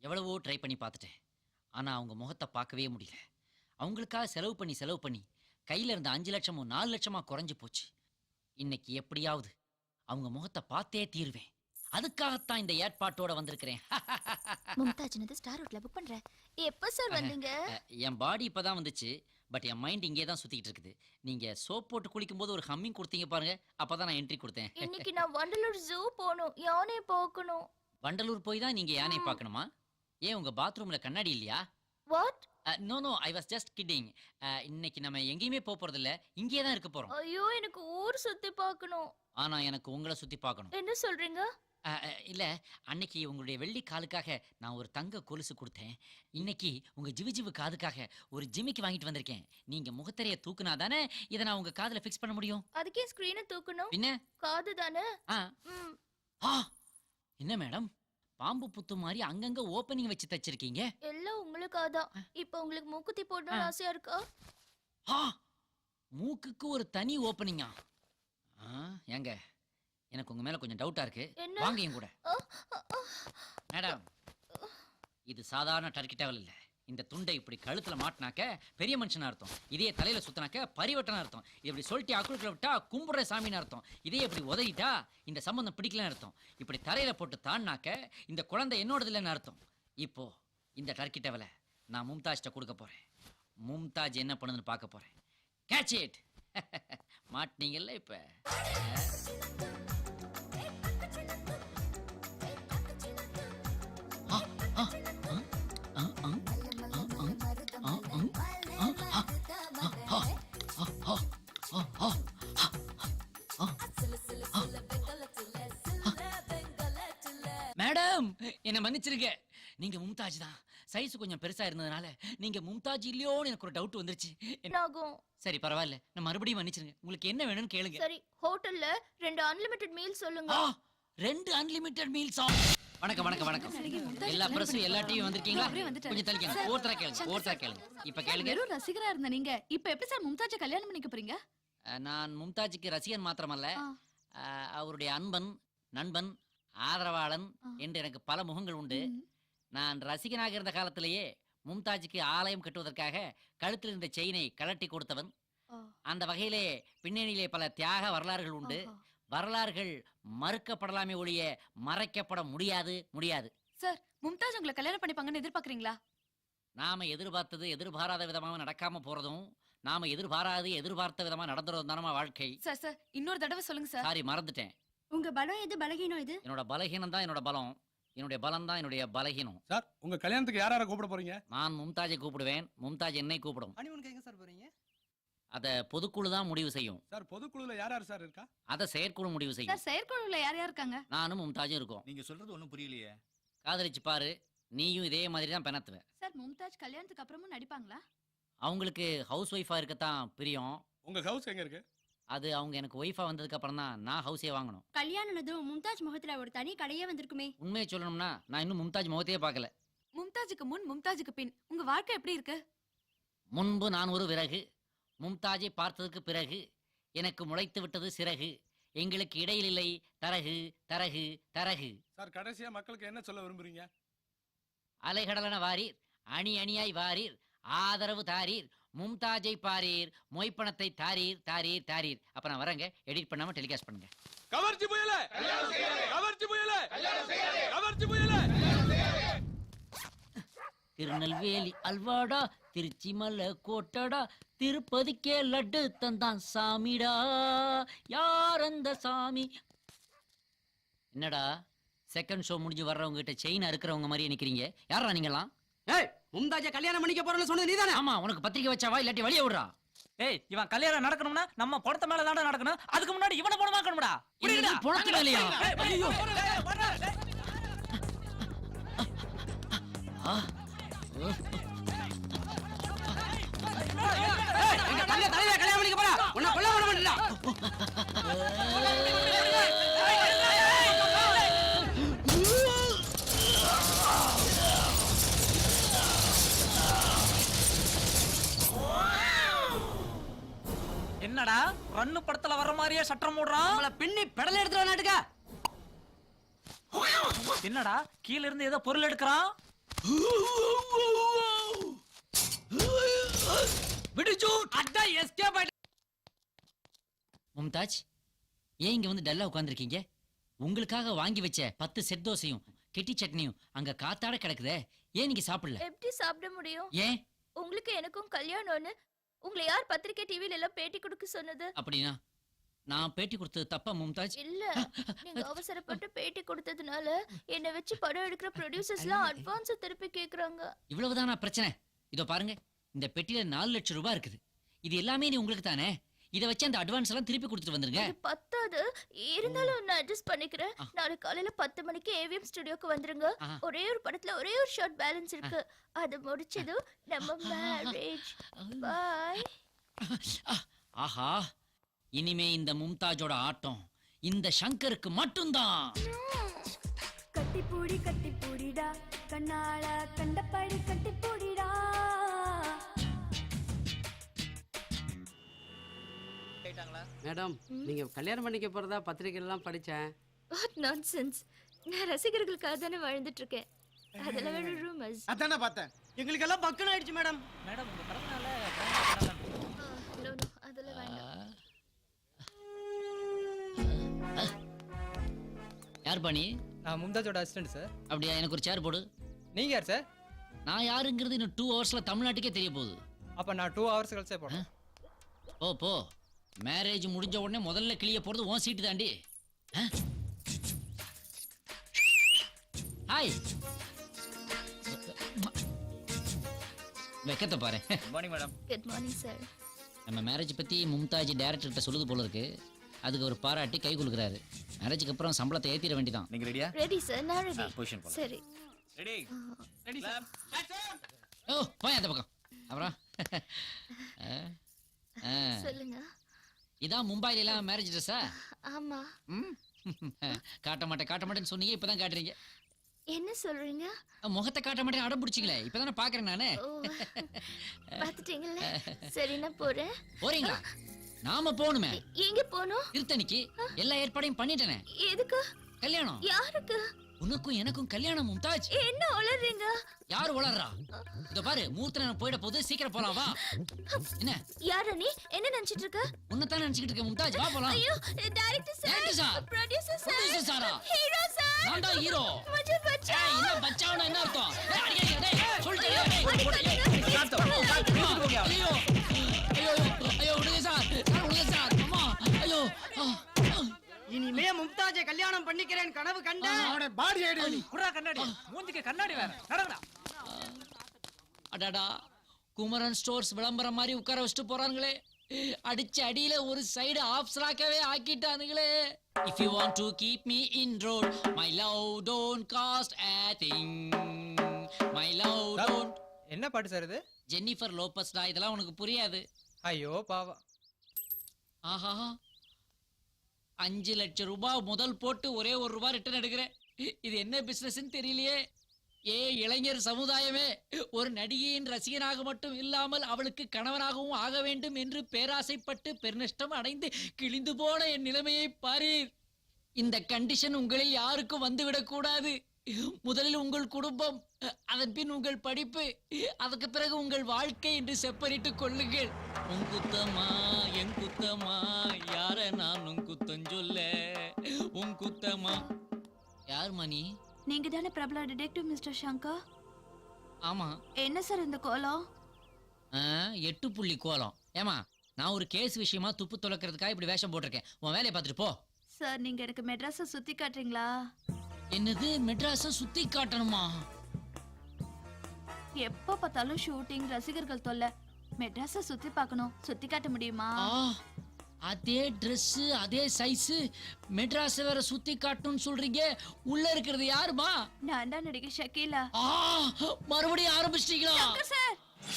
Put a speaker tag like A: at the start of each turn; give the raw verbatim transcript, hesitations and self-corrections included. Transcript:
A: எவ்வளவோ ட்ரை பண்ணி பார்த்துட்டேன். ஆனா அவங்க முகத்தை பார்க்கவே முடியல. அவங்களுக்காக செலவு பண்ணி செலவு பண்ணி கையில இருந்த அஞ்சு லட்சமும் நாலு லட்சமா குறைஞ்சு போச்சு. இன்னைக்கு எப்படியாவது அவங்க முகத்தை பார்த்தே தீருவேன். அதுக்காகத்தான் இந்த ஏற்பாட்டோட வந்திருக்கிறேன்.
B: மும்தாஜ்னது ஸ்டார் ஹோட்டல்ல புக் பண்றேன். எப்ப சார் வந்தீங்க?
A: என் பாடி இப்பதான் வந்துச்சு. பட் என் மைண்ட் இங்கே தான் சுத்திட்டு இருக்குது. நீங்க சோப் போட்டு குளிக்கும் போது ஒரு ஹம்மிங் கொடுத்தீங்க பாருங்க, அப்பதான் நான் என்ட்ரி கொடுத்தேன்.
B: இன்னைக்கு நான் வண்டலூர் ஜூ போணும், யானை பார்க்கணும்.
A: வண்டலூர் போய் தான் நீங்க யானை பார்க்கணுமா? ஏன் உங்க பாத்ரூம்ல கண்ணாடி இல்லையா?
B: What?
A: No no, I was just kidding. இன்னைக்கு நம்ம எங்கேயுமே போக போறது இல்ல, இங்கே தான் இருக்க போறோம்.
B: ஐயோ, எனக்கு ஊர் சுத்தி பார்க்கணும்.
A: ஆனா எனக்கு உங்களை சுத்தி பார்க்கணும்.
B: என்ன சொல்றீங்க?
A: இல்ல, அன்னைக்கு உங்களுடைய வெள்ளி காலுக்காக நான் ஒரு தங்க கொலுசு கொடுத்தேன். இன்னைக்கு உங்க ஜிவு ஜிவு காதுக்காக ஒரு ஜிமிக்கி வாங்கிட்டு வந்திருக்கேன். நீங்க முகத்தரைய தூக்குனா தானே இதை நான் உங்க காதுல ஃபிக்ஸ் பண்ண முடியும்.
B: அதுக்கே ஸ்கிரீனை தூக்கணும்?
A: என்ன
B: காது தானே.
A: என்ன மேடம், பாம்பு புத்து மாதிரி அங்கங்க ஓபனிங் வச்சு தச்சிருக்கீங்க.
B: எல்லாம் உங்களுக்காதான். இப்போ உங்களுக்கு மூக்குத்தி போடணும்னு ஆசையா இருக்கா?
A: மூக்குக்கு ஒரு தனி ஓபனிங்கா? ஏங்க, எனக்கு உங்க மேல கொஞ்சம் டவுட்டா இருக்கு. வாங்க என் கூட. மேடம், இது சாதாரண டர்க்கி டவல் இல்ல. இந்த துண்டை இப்படி கழுத்துல மாட்டினாக்க பெரிய மனுஷனா அர்த்தம். இதே தலையில சுத்தினாக்க பரிவட்டனா அர்த்தம். இப்படி சொல்லிட்டு அக்குளுக்குள்ள விட்டா கும்புற சாமின்னு அர்த்தம். இதே இப்படி உதறிட்டா இந்த சம்பந்தம் பிடிக்கலன்னு அர்த்தம். இப்படி தரையில போட்டு தாண்டாக்க இந்த குழந்தை என்னோடது இல்லைன்னு அர்த்தம். இப்போ இந்த டர்க்கி டவலை நான் மும்தாஜ்ட்ட கொடுக்க போறேன். மும்தாஜ் என்ன பண்ணுதுன்னு பார்க்க போறேன். Catch it. மாட்டினீங்கல்ல இப்ப. மேடம், என்ன மன்னிச்சிருங்க. நீங்க மும்தாஜ் தான். சைஸ் கொஞ்சம் பெருசா இருந்ததுனால நீங்க மும்தாஜ் இல்லையோன்னு எனக்கு ஒரு டவுட் வந்துருச்சு. சரி, பரவாயில்ல, நான் மறுபடியும் மன்னிச்சிருங்க. உங்களுக்கு என்ன வேணும்னு கேளுங்க.
B: சரி, ஹோட்டல்ல ரெண்டு அன்லிமிட்டெட் மீல் சொல்லுங்க.
A: ரெண்டு அன்லிமிட்டெட் மீல்ஸா? வணக்கம் வணக்கம் வணக்கம். எல்லா பிரஸும் எல்லா டிவியும் வந்திருக்கீங்களா? கொஞ்சம் தள்ளிக்கங்க. ஒருத்தரா கேளுங்க, ஒருத்தரா கேளுங்க. இப்ப கேளுங்க.
C: வெறும் ரசிகரா இருந்த நீங்க இப்ப எப்படி சார் மும்தாஜை கல்யாணம் பண்ணிக்க போறீங்க?
A: நான் மும்தாஜுக்கு ரசிகன் மாத்திரமல்ல, அவருடைய அன்பன், நண்பன், ஆதரவாளன் என்று எனக்கு பல முகங்கள் உண்டு. நான் ரசிகனாக இருந்த காலத்திலேயே மும்தாஜுக்கு ஆலயம் கட்டுவதற்காக கழுத்தில் இருந்த செயினை கழட்டி கொடுத்தவன். அந்த வகையிலே பின்னணியிலே பல தியாக வரலாறுகள் உண்டு. வரலாறுகள் மறுக்கப்படலாமே ஒழிய மறைக்கப்பட முடியாது முடியாது.
C: சார், மும்தாஜ் உங்களை கல்யாணம் பண்ணிப்பாங்கன்னு எதிர்பார்க்கறீங்களா?
A: நாம எதிர்பார்த்தது எதிர்பாராத விதமாக நடக்காம போறதும், நாம எதிர்பாராது எதிர்பார்த்த விதமா நடந்துறதும் தானமா வாழ்க்கை.
C: சார் சார் இன்னொரு தடவை சொல்லுங்க சார்.
A: சாரி, மறந்துட்டேன்.
B: உங்க பலம் எது, பலகீனம் எது?
A: என்னோட பலகீனம் தான் என்னோட பலம், என்னுடைய பலம் தான் என்னுடைய பலகீனம்.
D: சார், உங்க கல்யாணத்துக்கு யார யார கூப்பிட போறீங்க?
A: நான் மும்தாஜை கூப்பிடுவேன், மும்தாஜ் என்னை கூப்பிடும்.
E: ஹனிமூனுக்கு எங்க சார் போறீங்க?
A: அத பொதுக்குழு தான் முடிவு செய்யும்.
D: சார், பொதுக்குழுல யார் யார் சார் இருக்கா?
A: அத செயற்குழு முடிவு செய்யும்.
C: சார், செயற்குழுல யார் யார் இருக்காங்க?
A: நானும் மும்தாஜும் இருக்கோம்.
E: நீங்க சொல்றது ஒண்ணும் புரியலையே.
A: காதலிச்சு பாரு, நீயும் இதே மாதிரி தான் பெணத்துவ.
C: சார், மும்தாஜ் கல்யாணத்துக்கு அப்புறமும் நடிப்பாங்களா?
A: அவங்களுக்கு ஹவுஸ் ஒய்ஃபா இருக்கத்தான் பிரியம்.
D: உங்க ஹவுஸ் எங்க இருக்கு?
A: அது அவங்க எனக்கு ஒய்ஃபா வந்ததுக்கு அப்புறம் தான் நான் ஹவுஸே வாங்கணும்.
B: கல்யாணம் மும்தாஜ் முகத்துல ஒரு தனி கடையே வந்திருக்குமே.
A: உண்மையை சொல்லணும்னா நான் இன்னும் மும்தாஜ் முகத்தையே பார்க்கல.
C: மும்தாஜுக்கு முன் மும்தாஜுக்கு பின் உங்க வாழ்க்கை எப்படி இருக்கு?
A: முன்பு நான் ஒரு விறகு, மும்தாஜை பார்த்ததுக்கு பிறகு எனக்கு முளைத்து விட்டது சிறகு. எங்களுக்கு இடையில் இல்லை தரகு தரகு தரகு.
D: சார், கடைசியா மக்களுக்கு என்ன சொல்ல விரும்புறீங்க?
A: அலைகடலன வாரீர், அணி அணியாய் வாரீர், ஆதரவு தாரீர், மும்தாஜை பாரீர், மொய்ப்பணத்தை தாரீர் தாரீர் தாரீர். அப்ப நான் வரேங்க, எடிட் பண்ணாம டெலிகாஸ்ட் பண்ணுங்க.
D: கவர்ச்சி புயல, கவர்ச்சி புயல, கவர்ச்சி புயல.
A: திருநெல்வேலி அல்வாடா, திருச்சி மலை கோட்டடா, திருப்பதிக்கே லட்டு தந்தான் சாமிடா, யார் அந்த சாமி? என்னடா செகண்ட் ஷோ முடிஞ்சு வர்றவங்க கிட்ட செயின் அறுக்கிறவங்க மாதிரி நிக்கிறீங்க? யாரா நீங்களாம்?
E: ஏய், மும்தாஜை கல்யாணம் பண்ணிக்க போறேன்னு சொன்னது நீதானே?
A: ஆமா, உனக்கு பத்திரிக்கை வச்சாவா இல்லாட்டி வெளிய விடுறா?
F: ஏய், இவன் கல்யாணம் நடக்கணும்னா நம்ம பணத்தை மேல தான நடக்கணும். அதுக்கு முன்னாடி இவனை போட மாட்டணும்டா.
A: புரியுதா? பணத்து மேலயா?
F: ஐயோ,
E: எங்க தங்க தலையில கல்யாணம் பண்ணிக்க போறா. உன்னை கொல்ல விட மாட்டேன்டா.
F: என்னடா ரன்னு படத்துல வர்ற மாதிரியே சட்டம் போடுறான்.
E: நம்மள பின்னி பெடல் எடுத்துற நாட்டுக்க.
F: என்னடா கீழ இருந்து ஏதோ பொருள் எடுக்கறான்.
A: விடுச்சு.
E: அதான் எஸ்கேப் ஆயிட்ட.
A: மும்தாஜ், ஏன் இங்க வந்து டல்லா உட்கார்ந்திருக்கீங்க? உங்களுக்காக வாங்கி வச்ச பத்து செட் தோசையும் கெட்டி சட்னியும் அங்க காத்தாட கிடக்குதே, ஏன் நீங்க சாப்பிடல?
B: எப்படி சாப்பிட முடியும்?
A: ஏன்
B: உங்களுக்கு எனக்கும் கல்யாணம்னு உங்களை யார் பத்திரிக்கை டிவில எல்லாம் பேட்டி கொடுக்க சொன்னது?
A: அப்படின்னா நான் பேட்டி கொடுத்தது தப்பா மும்தாஜ்?
B: இல்ல, நீங்க அவசரப்பட்டு பேட்டி கொடுத்ததுனால என்ன வச்சு படம் எடுக்கிற ப்ரொடியூசர்ஸ்லாம் அட்வான்ஸ் திருப்பி கேக்குறாங்க.
A: இவ்வளவுதானா பிரச்சனை? இதோ பாருங்க, இந்த பெட்டியில நாலு லட்சம் ரூபாய் இருக்குது. இது எல்லாமே நீ உங்களுக்கு தானே. இதை வச்சு அந்த அட்வான்ஸ் எல்லாம் திருப்பி கொடுத்துட்டு வந்துருங்க.
B: இது பத்தாது, இருந்தாலும் நான் அட்ஜஸ்ட் பண்ணிக்கிறேன். நாளைக்கு காலையில பத்து மணிக்கு ஏவிஎம் ஸ்டுடியோக்கு வந்துருங்க.
A: ஆஹா.
B: ஒரே ஒரு படத்துல ஒரே ஒரு ஷார்ட் பேலன்ஸ் இருக்கு. அது முடிச்சதும் நம்ம மேரேஜ். பை.
A: ஆஹா, இனிமே இந்த மும்தாஜோட ஆட்டம் இந்த சங்கருக்கு மட்டும்தான்.
G: கட்டி பூடி கட்டி பூடிடா கண்ணால கண்டபடி கட்டி பூடிடா.
E: மேடம், நீங்க கல்யாணம் பண்ணிக்க போறதா பத்திரிக்கை எல்லாம் படிச்சேன்.
B: What nonsense. நான் ரசிகர்களுக்காக தானே வாழ்ந்துட்டு இருக்கேன். அதெல்லாம் வேற ரூமர்ஸ்.
H: அதானே பார்த்தேன். எங்களுக்கு எல்லாம் பக்கன் ஆயிடுச்சு மேடம்.
F: மேடம் உங்க பிறந்தநாள
B: நோ நோ, அதெல்லாம் வேண்டாம்.
A: யார் பண்ணி?
I: நான் மும்தாஜோட அசிஸ்டன்ட் சார்.
A: அப்படியா? எனக்கு ஒரு சேர் போடு.
I: நீங்க யார் சார்?
A: நான் யாருங்கிறது இன்னும் டூ ஹவர்ஸ்ல தமிழ்நாட்டுக்கே தெரிய போகுது.
I: அப்ப நான் டூ ஹவர்ஸ் கழிச்சே போறேன்.
A: போ போ. மேரேஜ் முடிஞ்ச உடனே முதல்ல கிளிய போறது உன் சீட்டு தாண்டி. ஹாய். வெக்கத்தை பாரு.
F: Good morning madam.
B: Good morning sir.
A: நம்ம மேரேஜ் பத்தி மும்தாஜ் டைரக்டர் கிட்ட சொல்லுது போல இருக்கு. அதுக்கு ஒரு பாராட்டி கை கொடுக்குறாரு. மேரேஜுக்கு அப்புறம் சம்பளத்தை ஏத்திட வேண்டியதான்.
F: நீங்க ரெடியா?
B: ரெடி சார், நான் ரெடி.
F: பொசிஷன் போலாம்.
B: சரி.
F: ரெடி.
E: Ready sir.
A: ஓ, போய் அந்த பக்கம். அப்புறம் ஆ, ஆ.
B: சொல்லுங்க.
A: இதான் மும்பைல எல்லாம் மேரேஜ் ட்ரெஸ்ஸா?
B: ஆமா.
A: ம். காட்ட மாட்டேன் காட்ட மாட்டேன்னு சொன்னீங்க, இப்பதான் காட்டுறீங்க.
B: என்ன சொல்றீங்க?
A: முகத்தை காட்ட மாட்டேன் அடம் பிடிச்சிங்களே, இப்பதானே பாக்குறேன் நானு.
B: ஓ, பாத்துட்டீங்கல்ல. சரி, நான் போறேன்.
A: போறீங்களா? நாம போகணுமே.
B: எ- எங்க போகணும்?
A: திருத்தணிக்கு. எல்லா ஏற்பாடையும் பண்ணிட்டேனே.
B: எதுக்கு?
A: கல்யாணம்.
B: யாருக்கு?
A: உனக்கும் எனக்கும் கல்யாணம் மும்தாஜ்.
B: என்ன உளறீங்க?
A: யாரு உளறா? இதோ பாரு, மூர்த்த நேரம் போயிட போது, சீக்கிரம் போலாம் வா. என்ன
B: யார நீ? என்ன நினைச்சிட்டு இருக்க?
A: உன்னதான் நினைச்சுக்கிட்டு இருக்க மும்தாஜ், வா போலாம்.
B: ஐயோ, director
A: Director sir.
B: Sir, producer
A: Producer
B: sir,
A: sir-ஆ?
B: Hero sir.
A: நான் தான் ஹீரோ.
B: मुझे बचाओ.
A: ஏய், என்ன பச்சாவனா என்ன அர்த்தம்? ஏய், அடிக்காதீங்க, டேய், சொல்லிட்டீங்க, டேய்.
B: அடிக்காதீங்க.
A: ஐயோ, ஐயோ, ஐயோ, விடுங்க சார், சார், விடுங்க சார், அம்மா, ஐயோ. ஆ, ஆ.
E: இனிமே மும்தாஜை கல்யாணம் பண்ணிக்கிறேன் கனவு கண்ட.
H: அவனோட பாடி ஐடி.
F: குறா கண்ணாடி. மூஞ்சிக்கு கண்ணாடி வேற. நடங்கடா.
A: அடாடா, குமரன் ஸ்டோர்ஸ் விளம்பரம் மாதிரி உட்கார வச்சுட்டு போறானுங்களே. அடிச்ச அடியில ஒரு சைடு ஆஃப் ஸ்லாக்கவே ஆக்கிட்டானுங்களே. If you want to keep me in road, my love don't cost a thing. My love don't.
I: என்ன பாட்டு சார் இது?
A: ஜென்னிஃபர் லோபஸ்டா, இதெல்லாம் உனக்கு புரியாது.
I: ஐயோ பாவம்.
A: ஆஹா, அஞ்சு லட்சம் ரூபாய் முதல் போட்டு ஒரே ஒரு ரூபாய் ரிட்டர்ன் எடுக்கிறேன். இது என்ன பிசினஸ்ன்னு தெரியலையே. ஏ இளைஞர் சமுதாயமே, ஒரு நடிகையின் ரசிகனாக மட்டும் இல்லாமல் அவளுக்கு கணவனாகவும் ஆக வேண்டும் என்று பேராசைப்பட்டு பெருநஷ்டம் அடைந்து கிழிந்து போன என் நிலைமையை பாரீர். இந்த கண்டிஷன் உங்களில் யாருக்கும் வந்துவிடக் கூடாது. முதலில் உங்கள் குடும்பம், அதன் பின் உங்கள் படிப்பு, அதுக்கு பிறகு உங்கள் வாழ்க்கை என்று செப்பரிட்டுக் கொள்ளுங்கள். உன் குத்தமா என் குத்தமா, யார நான் உன் குத்தம் சொல்ல, உன் குத்தமா. யார் மணி?
C: நீங்க தானே பிரபல டிடெக்டிவ் மிஸ்டர் சங்கர்?
A: ஆமா.
C: என்ன சார் இந்த கோலம்?
A: ஆ, எட்டு புள்ளி கோலம். ஏமா, நான் ஒரு கேஸ் விஷயமா துப்பு துளக்கிறதுக்காக இப்படி வேஷம் போட்டிருக்கேன். உன் வேலையை பார்த்துட்டு போ.
C: சார், நீங்க எனக்கு மெட்ராஸை சுத்தி காட்டுறீங்களா?
A: என்னது, மெட்ராஸை சுத்தி காட்டணுமா?
C: எப்ப பார்த்தாலும் ஷூட்டிங், ரசிகர்கள் தொல்லை. மெட்ராஸை சுத்தி பார்க்கணும். சுத்தி காட்ட முடியுமா?
A: ஆ, அதே Dress அதே சைஸ், மெட்ராஸ் வேற சுத்தி காட்டணும்னு சொல்றீங்க. உள்ள இருக்கிறது யாருமா?
C: நான் தான் நடிகை ஷக்கீலா.
A: ஆ, மறுபடியும் ஆரம்பிச்சிட்டீங்களா?
C: சார்,